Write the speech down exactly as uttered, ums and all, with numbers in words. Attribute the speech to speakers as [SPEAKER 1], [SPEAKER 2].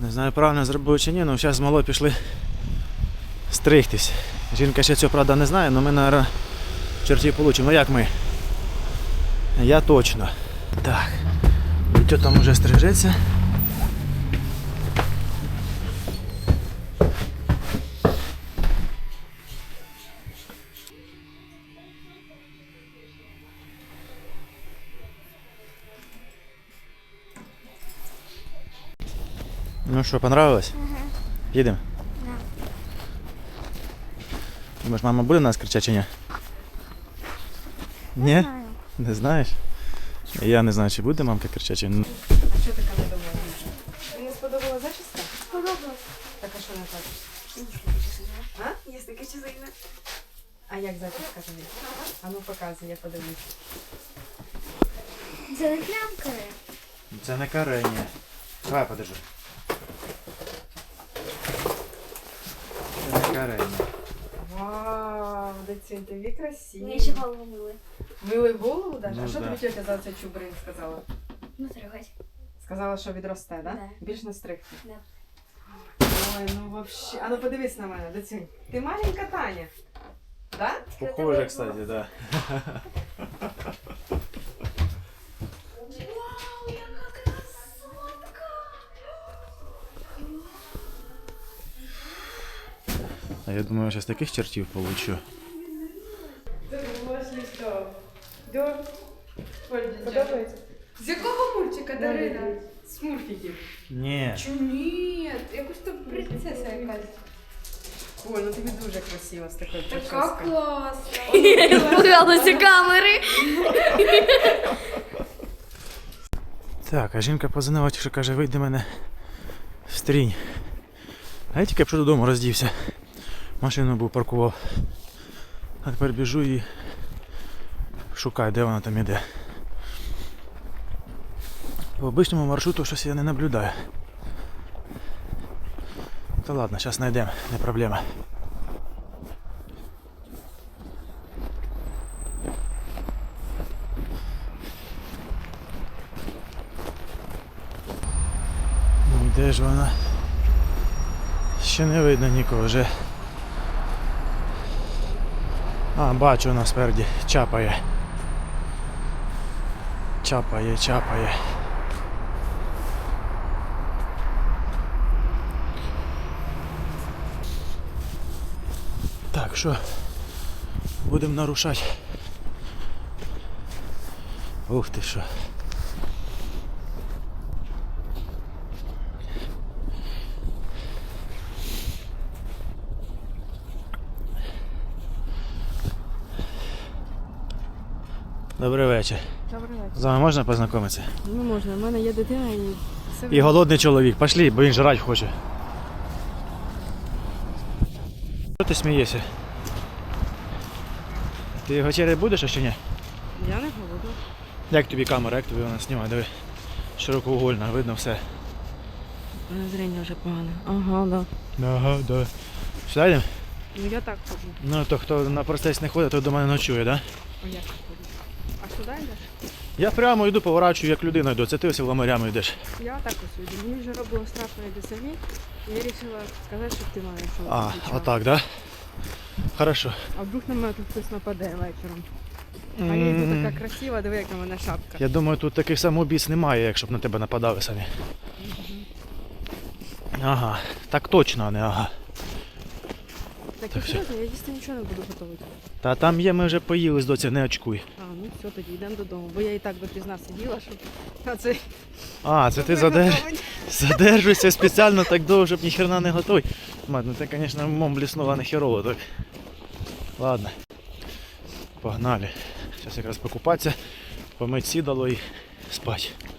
[SPEAKER 1] Не знаю, правильно зробив чи ні, але зараз з малою пішли стригтись. Жінка ще цього, правда, не знає, але ми, мабуть, чертів получимо. Ну як ми? Я точно. Так. Вітьо там уже стрижеться. Ну що, понравилось?
[SPEAKER 2] Ага.
[SPEAKER 1] Їдемо?
[SPEAKER 2] Да.
[SPEAKER 1] Думаєш, мама буде нас кричати чи ні? Ні?
[SPEAKER 2] Не знаю.
[SPEAKER 1] Не знаєш? Я не знаю, чи буде мамка кричати, чи ні.
[SPEAKER 3] А що така недовольна? Тобі не сподобала зачіска?
[SPEAKER 2] Сподобалось.
[SPEAKER 3] Так, а що не так? А? Є таке чизина? А як зачіска тобі? А ну показуй, я подивлюсь.
[SPEAKER 2] Це не плямкає.
[SPEAKER 1] Це не карення. Давай, подержи. Це не карення.
[SPEAKER 3] Вау, доцінь, тобі красиво.
[SPEAKER 2] Мені ще голову мили.
[SPEAKER 3] Мили голову даже?
[SPEAKER 1] Ну,
[SPEAKER 3] а що
[SPEAKER 1] да.
[SPEAKER 3] тобі тетя за цей чубрин сказала?
[SPEAKER 2] Ну, трогать.
[SPEAKER 3] Сказала, що відросте, да?
[SPEAKER 2] Да.
[SPEAKER 3] Більш не стригти.
[SPEAKER 2] Да.
[SPEAKER 3] Ой, ну вообще. А ну подивись на мене, доцінь. Ти маленька Таня. Да?
[SPEAKER 1] Похоже, кстати, да.
[SPEAKER 2] Вау, яка красотка!
[SPEAKER 1] А я думаю, зараз таких чертів получу.
[SPEAKER 3] Ти думаєш, що? Да. Подобається? З якого мультика, Дарина? З мультиків.
[SPEAKER 1] Ні.
[SPEAKER 3] Чу ні, якось то принцеса якась. Ой, ну тобі дуже красиво з такою
[SPEAKER 4] Така
[SPEAKER 3] прическою.
[SPEAKER 4] класна.
[SPEAKER 2] Пугалися камери.
[SPEAKER 1] Так, а жінка позвонила, що каже, вийди мене в стрінь. А я тільки що додому роздівся. Машину був паркував. А тепер біжу і шукаю, де вона там іде. По обичному маршруту щось я не наблюдаю. Та ладно, зараз знайдемо, не проблема. Ну, де ж вона? Ще не видно нікого вже. А, бачу, вона спереді чапає. Чапає, чапає. Так, що? Будемо нарушати. Ух ти що. Добрий вечір.
[SPEAKER 3] Добрий вечір.
[SPEAKER 1] З вами можна познайомитися?
[SPEAKER 3] Ну можна, в мене є дитина і все.
[SPEAKER 1] І голодний чоловік. Пошли, бо він жрать хоче. Що ти смієшся? Ти вечеряти будеш, а чи ні?
[SPEAKER 3] Я не голодна.
[SPEAKER 1] Як тобі камера, як тобі вона знімає? Диви. Широкоугольна, видно все.
[SPEAKER 3] Зрення вже погане. Ага, да.
[SPEAKER 1] Ага, да. Сюди йдемо?
[SPEAKER 3] Ну я так ходжу.
[SPEAKER 1] Ну, то хто на простець не ходить, той до мене ночує, так? Да?
[SPEAKER 3] А як ти ходиш? А сюди йдеш?
[SPEAKER 1] Я прямо йду, поворачую, як людина йду. Це ти ось ламарями йдеш.
[SPEAKER 3] Я так ось йду. Мені вже робило страшно йти самі. І я вирішила сказати, щоб ти мене йшов.
[SPEAKER 1] А,
[SPEAKER 3] зустрічав.
[SPEAKER 1] отак, да? Хорошо.
[SPEAKER 3] А вдруг на мене тут хтось нападе вечором. А я йду така красива, диви, яка в мене шапка.
[SPEAKER 1] Я думаю, тут таких самоубійць немає, якщо б на тебе нападали самі. Ага, так точно, а не ага.
[SPEAKER 3] Так,
[SPEAKER 1] Так,
[SPEAKER 3] і серйозно, я їсти нічого не буду готувати.
[SPEAKER 1] Та там є, ми вже поїли з доці, не очкуй.
[SPEAKER 3] А, ну все, тоді йдемо додому. Бо я і так допізна сиділа, щоб на цей
[SPEAKER 1] А, це ти задерж... задержуєшся спеціально так довго, щоб ніхрена не готуй. Мать, ну ти, звісно, мом бліснула не херово так. Ладно. Погнали. Зараз якраз покупатися, помить сідало і спать.